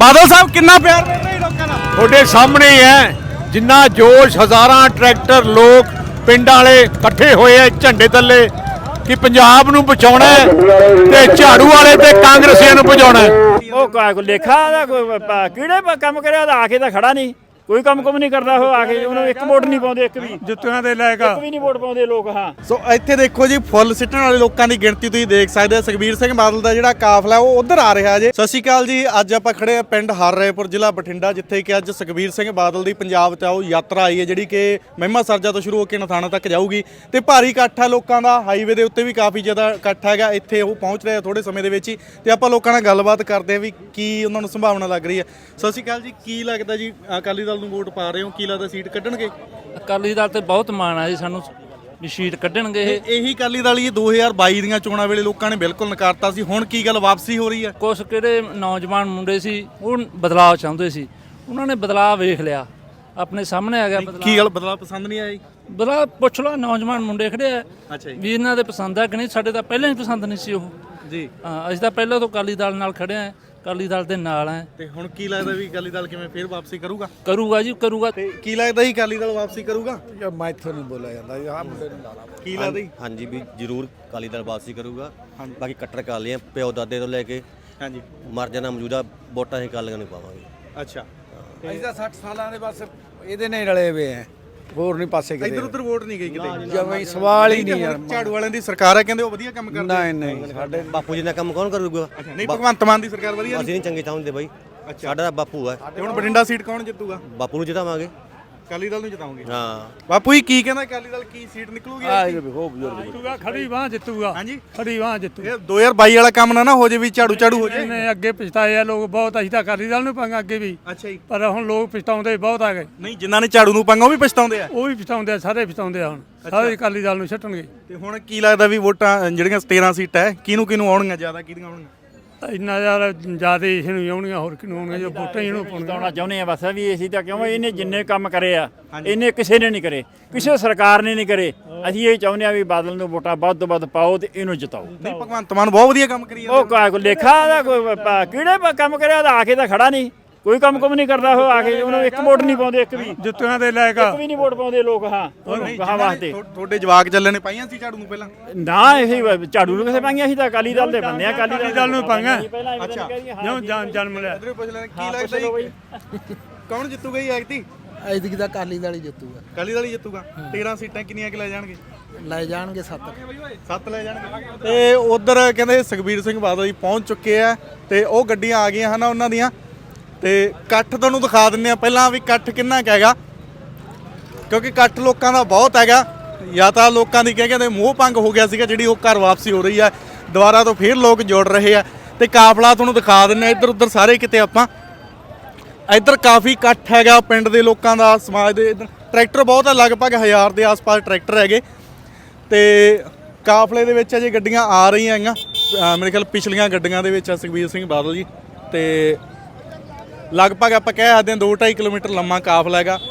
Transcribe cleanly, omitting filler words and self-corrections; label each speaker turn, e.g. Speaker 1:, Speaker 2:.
Speaker 1: ਬਾਦਲ ਸਾਹਿਬ ਕਿੰਨਾ ਪਿਆਰ ਮਿਲ ਰਿਹਾ ਲੋਕਾਂ ਦਾ?
Speaker 2: ਤੁਹਾਡੇ ਸਾਹਮਣੇ ਹੀ ਹੈ ਜਿੰਨਾ ਜੋਸ਼, ਹਜ਼ਾਰਾਂ ਟਰੈਕਟਰ, ਲੋਕ ਪਿੰਡਾਂ ਵਾਲੇ ਇਕੱਠੇ ਹੋਏ ਆ ਝੰਡੇ ਥੱਲੇ ਕਿ ਪੰਜਾਬ ਨੂੰ ਬਚਾਉਣਾ ਹੈ ਤੇ ਝਾੜੂ ਵਾਲੇ ਤੇ ਕਾਂਗਰਸੀਆਂ ਨੂੰ ਬਚਾਉਣਾ ਹੈ।
Speaker 3: ਉਹ ਕੋਈ ਲੇਖਾ ਦਾ ਕੋਈ ਕਿਹੜੇ ਕੰਮ ਕਰਿਆ ਤਾਂ ਆ ਕੇ ਤਾਂ ਖੜਾ ਨਹੀਂ, ਕੋਈ ਕੰਮ ਨਹੀਂ ਕਰਦਾ। ਉਹ ਆ ਕੇ ਉਹਨੂੰ ਇੱਕ ਵੋਟ ਨਹੀਂ ਪਾਉਂਦੇ, ਇੱਕ ਵੀ
Speaker 1: ਜੁੱਤੀਆਂ ਦੇ ਲੈ
Speaker 3: ਇੱਕ ਵੀ ਨਹੀਂ ਵੋਟ ਪਾਉਂਦੇ ਲੋਕ। ਹਾਂ,
Speaker 1: ਸੋ ਇੱਥੇ ਦੇਖੋ ਜੀ, ਫੁੱਲ ਸਿੱਟਣ ਵਾਲੇ ਲੋਕਾਂ ਦੀ ਗਿਣਤੀ ਤੁਸੀਂ ਦੇਖ ਸਕਦੇ ਹੋ। ਸੁਖਬੀਰ ਸਿੰਘ ਬਾਦਲ ਦਾ ਜਿਹੜਾ ਕਾਫਲਾ ਉਹ ਉਧਰ ਆ ਰਿਹਾ ਜੇ। ਸਤਿ ਸ਼੍ਰੀ ਅਕਾਲ ਜੀ। ਅੱਜ ਆਪਾਂ ਖੜੇ ਆ ਪਿੰਡ ਹਰਰਾਏਪੁਰ, ਜ਼ਿਲ੍ਹਾ ਬਠਿੰਡਾ, ਜਿੱਥੇ ਕਿ ਅੱਜ ਸੁਖਬੀਰ ਸਿੰਘ ਬਾਦਲ ਦੀ ਪੰਜਾਬ 'ਚ ਆਓ ਯਾਤਰਾ ਆਈ ਹੈ, ਜਿਹੜੀ ਕਿ ਮਹਿਮਾ ਸਰਜਾ ਤੋਂ ਸ਼ੁਰੂ ਹੋ ਕੇ ਨਥਾਣਾ ਤੱਕ ਜਾਊਗੀ। ਤੇ ਭਾਰੀ ਇਕੱਠ ਹੈ ਲੋਕਾਂ ਦਾ, ਹਾਈਵੇ ਦੇ ਉੱਤੇ ਵੀ ਕਾਫੀ ਜ਼ਿਆਦਾ ਇਕੱਠ ਹੈਗਾ। ਇੱਥੇ ਉਹ ਪਹੁੰਚ ਰਹੇ ਆ ਥੋੜੇ ਸਮੇਂ ਦੇ ਵਿੱਚ ਹੀ, ਤੇ ਆਪਾਂ ਲੋਕਾਂ ਨਾਲ ਗੱਲਬਾਤ ਕਰਦੇ ਆ ਵੀ ਕੀ ਉਹਨਾਂ ਨੂੰ ਸੰਭਾਵਨਾ ਲੱਗ ਰਹੀ ਹੈ। ਸਤਿ ਸ਼੍ਰੀ ਅਕਾਲ ਜੀ। ਕੀ ਲੱਗਦਾ ਜੀ, ਅਕਾਲੀ ਦਲ ਨੂੰ ਵੋਟ ਪਾ ਰਹੇ ਹੋ, ਕੀ ਲੱਗਦਾ ਸੀਟ ਕੱਢਣਗੇ?
Speaker 4: ਅਕਾਲੀ ਦਲ ਤੇ ਬਹੁਤ ਮਾਣ ਆ ਜੀ ਸਾਨੂੰ ਵੀ ਸੀਟ ਕੱਢਣਗੇ ਇਹ।
Speaker 1: ਇਹੀ ਅਕਾਲੀ ਦਲ ਹੀ 2022 ਦੀਆਂ ਚੋਣਾਂ ਵੇਲੇ ਲੋਕਾਂ ਨੇ ਬਿਲਕੁਲ ਨਕਾਰਤਾ ਸੀ। ਹੁਣ ਕੀ ਗੱਲ ਵਾਪਸੀ ਹੋ ਰਹੀ ਹੈ?
Speaker 4: ਕੁਛ ਕਿਹੜੇ ਨੌਜਵਾਨ ਮੁੰਡੇ ਸੀ ਉਹ ਬਦਲਾਅ ਚਾਹੁੰਦੇ ਸੀ, ਉਹਨਾਂ ਨੇ ਬਦਲਾਅ ਵੇਖ ਲਿਆ, ਆਪਣੇ ਸਾਹਮਣੇ ਆ ਗਿਆ ਬਦਲਾਅ।
Speaker 1: ਕੀ ਗੱਲ ਬਦਲਾਅ ਪਸੰਦ ਨਹੀਂ ਆਇਆ?
Speaker 4: ਬਦਲਾਅ ਪੁੱਛ ਲਓ, ਨੌਜਵਾਨ ਮੁੰਡੇ ਖੜੇ ਆ
Speaker 1: ਅੱਛਾ ਜੀ।
Speaker 4: ਵੀ ਇਹਨਾਂ ਦੇ ਪਸੰਦ ਆ ਕਿ ਨਹੀਂ। ਸਾਡੇ ਤਾਂ ਪਹਿਲਾਂ ਹੀ ਪਸੰਦ ਨਹੀਂ ਸੀ ਉਹ
Speaker 1: ਜੀ।
Speaker 4: ਹਾਂ, ਅਸੀਂ ਤਾਂ ਪਹਿਲਾਂ ਤੋਂ ਅਕਾਲੀ ਦਲ ਨਾਲ ਖੜੇ ਆ, ਅਕਾਲੀ ਦਲ ਦੇ ਨਾਲ ਆ।
Speaker 1: ਤੇ ਹੁਣ ਕੀ ਲੱਗਦਾ ਵੀ ਅਕਾਲੀ ਦਲ ਕਿਵੇਂ ਫੇਰ ਵਾਪਸੀ ਕਰੂਗਾ?
Speaker 4: ਕਰੂਗਾ ਜੀ, ਕਰੂਗਾ।
Speaker 1: ਤੇ ਕੀ ਲੱਗਦਾ ਜੀ ਅਕਾਲੀ ਦਲ ਵਾਪਸੀ ਕਰੂਗਾ?
Speaker 5: ਮੈਂ ਇੱਥੋਂ ਨਹੀਂ ਬੋਲਿਆ ਜਾਂਦਾ ਜੀ, ਆਹ ਮੁੰਡੇ ਨੂੰ ਲਾ ਲਾ।
Speaker 1: ਕੀ ਲੱਗਦਾ ਜੀ?
Speaker 6: ਹਾਂਜੀ ਵੀ ਜ਼ਰੂਰ ਅਕਾਲੀ ਦਲ ਵਾਪਸੀ ਕਰੂਗਾ। ਬਾਕੀ ਕੱਟਰ ਅਕਾਲੀ ਆ, ਪਿਓ ਦਾਦੇ ਤੋਂ ਲੈ ਕੇ
Speaker 1: ਹਾਂਜੀ।
Speaker 6: ਮਰ ਜਾਣਾ ਮੌਜੂਦਾ ਵੋਟਾਂ ਹੀ ਅਕਾਲੀਆਂ ਨੂੰ ਪਾਵਾਂਗੇ।
Speaker 1: ਅੱਛਾ।
Speaker 5: ਅਸੀਂ ਤਾਂ 60 ਸਾਲਾਂ ਦੇ ਬਸ ਇਹਦੇ ਨਾਲ ਹੀ ਰਲੇ ਹੋਏ ਆ, ਹੋਰ ਨਹੀਂ ਪਾਸੇ ਕਿਤੇ।
Speaker 1: ਇੱਧਰ ਉੱਧਰ ਵੋਟ ਨਹੀਂ ਗਈ ਕਿਤੇ?
Speaker 5: ਜਮਾਂ ਸਵਾਲ ਹੀ ਨਹੀਂ ਯਾਰ।
Speaker 1: ਝਾੜੂ ਵਾਲਿਆਂ ਦੀ ਸਰਕਾਰ ਹੈ, ਕਹਿੰਦੇ ਉਹ ਵਧੀਆ ਕੰਮ ਕਰਦੇ।
Speaker 5: ਨਹੀਂ ਨਹੀਂ, ਸਾਡੇ
Speaker 6: ਬਾਪੂ ਜੀ ਦਾ ਕੰਮ ਕੌਣ ਕਰੂਗਾ?
Speaker 1: ਨਹੀਂ, ਭਗਵੰਤ ਮਾਨ ਦੀ ਸਰਕਾਰ ਵਧੀਆ
Speaker 6: ਅਸੀਂ ਨਹੀਂ ਚੰਗੇ ਚਾਹੁੰਦੇ ਬਾਈ, ਸਾਡਾ ਤਾਂ ਬਾਪੂ ਹੈ।
Speaker 1: ਤੇ ਹੁਣ ਬਠਿੰਡਾ ਸੀਟ ਕੌਣ ਜਿੱਤੂਗਾ?
Speaker 6: ਬਾਪੂ ਨੂੰ ਜਿਤਾਵਾਂਗੇ।
Speaker 1: ਅਕਾਲੀ ਦਲ ਨੂੰ ਜਿਤਾਉਂਗੇ?
Speaker 6: ਹਾਂ।
Speaker 1: ਬਾਪੂ ਜੀ ਕੀ ਕਹਿੰਦਾ, ਅਕਾਲੀ ਦਲ ਕੀ ਸੀਟ ਨਿਕਲੂਗੀ?
Speaker 7: ਜਿੱਤੂਗਾ, ਖੜੀ ਬਾਂਹ ਜਿੱਤੂਗਾ।
Speaker 1: ਹਾਂਜੀ,
Speaker 7: ਖੜੀ ਬਾਂਹ ਜਿੱਤੂ।
Speaker 1: ਇਹ 2022 ਵਾਲਾ ਕੰਮ ਨਾ ਹੋ ਜੇ ਵੀ ਝਾੜੂ ਹੋ ਜੇ।
Speaker 7: ਨੇ ਅੱਗੇ ਪਛਤਾਏ ਆ ਲੋਕ ਬਹੁਤ, ਅਸੀਂ ਤਾਂ ਅਕਾਲੀ ਦਲ ਨੂੰ ਪਾਂਗੇ ਅੱਗੇ ਵੀ,
Speaker 1: ਅੱਛਾ ਜੀ।
Speaker 7: ਪਰ ਹੁਣ ਲੋਕ ਪਛਤਾਉਂਦੇ ਬਹੁਤ ਆ ਗਏ।
Speaker 1: ਨਹੀਂ, ਜਿਨ੍ਹਾਂ ਨੇ ਝਾੜੂ ਨੂੰ ਪੰਗਾ ਉਹ ਵੀ ਪਛਤਾਉਂਦੇ ਆ।
Speaker 7: ਉਹ ਵੀ ਪਛਤਾਉਂਦੇ ਆ, ਸਾਰੇ ਪਛਤਾਉਂਦੇ ਆ। ਹੁਣ ਸਾਰੇ ਅਕਾਲੀ ਦਲ ਨੂੰ ਛੱਡਣਗੇ।
Speaker 1: ਤੇ ਹੁਣ ਕੀ ਲੱਗਦਾ ਵੀ ਵੋਟਾਂ ਜਿਹੜੀਆਂ 13 ਸੀਟਾਂ ਹੈ, ਕਿਹਨੂੰ ਆਉਣਗੀਆਂ ਜ਼ਿਆਦਾ, ਕਿਹਦੀਆਂ ਆਉਣਗੀਆਂ?
Speaker 7: ਇੰਨਾ ਯਾਰ ਜ਼ਿਆਦਾ ਇਸ ਨੂੰ ਆਉਣੀਆਂ, ਹੋਰ ਕਿਹਨੂੰ ਆਉਣਗੀਆਂ? ਜੋ ਵੋਟਾਂ ਹੀ ਇਹਨੂੰ ਪਾਉਣੀਆਂ।
Speaker 3: ਜਿਤਾਉਣਾ ਚਾਹੁੰਦੇ ਆ ਬਸ ਵੀ ਅਸੀਂ ਤਾਂ, ਕਿਉਂ ਇਹਨੇ ਜਿੰਨੇ ਕੰਮ ਕਰੇ ਆ ਇਹਨੇ ਕਿਸੇ ਨੇ ਨਹੀਂ ਕਰੇ, ਕਿਸੇ ਸਰਕਾਰ ਨੇ ਨਹੀਂ ਕਰੇ। ਅਸੀਂ ਇਹ ਚਾਹੁੰਦੇ ਆ ਵੀ ਬਾਦਲ ਨੂੰ ਵੋਟਾਂ ਵੱਧ ਤੋਂ ਵੱਧ ਪਾਓ ਤੇ ਇਹਨੂੰ ਜਿਤਾਓ।
Speaker 1: ਨਹੀਂ, ਭਗਵੰਤ ਮਾਨ ਬਹੁਤ ਵਧੀਆ ਕੰਮ ਕਰੀ
Speaker 3: ਉਹ ਕੋਈ ਲੇਖਾ ਦਾ ਕੋਈ ਕਿਹੜੇ ਕੰਮ ਕਰਿਆ ਤਾਂ ਆ ਕੇ ਤਾਂ ਖੜਾ ਨਹੀਂ, ਕੋਈ ਕੰਮ ਨਹੀਂ ਕਰਦਾ। ਉਹ ਆ ਕੇ ਉਹਨੂੰ ਇੱਕ ਵੋਟ ਨਹੀਂ ਪਾਉਂਦੇ, ਇੱਕ ਵੀ
Speaker 7: ਜੁੱਤੀਆਂ ਦੇ ਲੈ
Speaker 3: ਇੱਕ ਵੀ ਨਹੀਂ ਵੋਟ ਪਾਉਂਦੇ ਲੋਕ। ਹਾਂ, ਕਹਾਂ ਵਾਸਤੇ
Speaker 1: ਤੁਹਾਡੇ ਜਵਾਕ ਚੱਲੇ ਨੇ ਪਾਈਆਂ ਸੀ ਝਾੜੂ ਨੂੰ ਪਹਿਲਾਂ?
Speaker 3: ਨਾ, ਇਹ ਝਾੜੂ ਨੂੰ ਕਿਸੇ ਪਾਈਆਂ ਸੀ ਤਾਂ ਅਕਾਲੀ ਦਲ ਦੇ ਬੰਦੇ ਆ।
Speaker 7: ਅਕਾਲੀ ਦਲ ਨੂੰ ਪਾਈਆਂ।
Speaker 3: ਅੱਛਾ,
Speaker 7: ਜਿਉਂ ਜਨਮ ਲਿਆ।
Speaker 1: ਇਧਰੋਂ ਪੁੱਛ ਲੈਣਾ ਕੀ ਲੱਗਦਾ ਜੀ, ਕੌਣ ਜਿੱਤੂਗਾ ਜੀ ਐਤਕੀ?
Speaker 5: ਐਤਕੀ ਤਾਂ ਅਕਾਲੀ ਦਲ ਹੀ ਜਿੱਤੂਗਾ।
Speaker 1: ਅਕਾਲੀ ਦਲ ਹੀ ਜਿੱਤੂਗਾ। 13 ਸੀਟਾਂ ਕਿੰਨੀਆਂ ਕਿ ਲੈ ਜਾਣਗੇ?
Speaker 5: ਲੈ ਜਾਣਗੇ 7
Speaker 1: 7 ਲੈ ਜਾਣਗੇ। ਤੇ ਉਧਰ ਕਹਿੰਦੇ ਸੁਖਬੀਰ ਸਿੰਘ ਬਾਦਲ ਜੀ ਪਹੁੰਚ ਚੁੱਕੇ ਆ, ਤੇ ਉਹ ਗੱਡੀਆਂ ਆ ਗਈਆਂ ਹਨ ਉਹਨਾਂ ਦੀਆਂ। ਤੇ ਇਕੱਠ ਤੁਹਾਨੂੰ ਦਿਖਾ ਦਿੰਦੇ ਆ ਪਹਿਲਾਂ ਵੀ ਇਕੱਠ ਕਿੰਨਾ ਕੁ ਹੈਗਾ, ਕਿਉਂਕਿ ਇਕੱਠ ਲੋਕਾਂ ਦਾ ਬਹੁਤ ਹੈਗਾ। ਜਾਂ ਤਾਂ ਲੋਕਾਂ ਦੀ ਕਹਿੰਦੇ ਮੋਹ ਭੰਗ ਹੋ ਗਿਆ ਸੀਗਾ, ਜਿਹੜੀ ਉਹ ਘਰ ਵਾਪਸੀ ਹੋ ਰਹੀ ਆ, ਦੁਬਾਰਾ ਤੋਂ ਫੇਰ ਲੋਕ ਜੁੜ ਰਹੇ ਆ। ਤੇ ਕਾਫਲਾ ਤੁਹਾਨੂੰ ਦਿਖਾ ਦਿੰਦੇ ਆ ਇੱਧਰ ਉੱਧਰ ਸਾਰੇ ਕਿਤੇ ਆਪਾਂ। ਇੱਧਰ ਕਾਫੀ ਇਕੱਠ ਹੈਗਾ ਪਿੰਡ ਦੇ ਲੋਕਾਂ ਦਾ, ਸਮਾਜ ਦੇ। ਇੱਧਰ ਟਰੈਕਟਰ ਬਹੁਤ ਹੈ, ਲਗਭਗ 1000 ਦੇ ਆਸ-ਪਾਸ ਟਰੈਕਟਰ ਹੈਗੇ। ਤੇ ਕਾਫਲੇ ਦੇ ਵਿੱਚ ਅਜੇ ਗੱਡੀਆਂ ਆ ਰਹੀਆਂ ਹੈਗੀਆਂ, ਮੇਰੇ ਖਿਆਲ ਪਿਛਲੀਆਂ ਗੱਡੀਆਂ ਦੇ ਵਿੱਚ ਆ ਸੁਖਬੀਰ ਸਿੰਘ ਬਾਦਲ ਜੀ। ਤੇ ਲਗਭਗ ਆਪਾਂ ਕਹਿ ਸਕਦੇ ਹਾਂ 2-2.5 ਕਿਲੋਮੀਟਰ ਲੰਮਾ ਕਾਫਲਾ ਹੈਗਾ।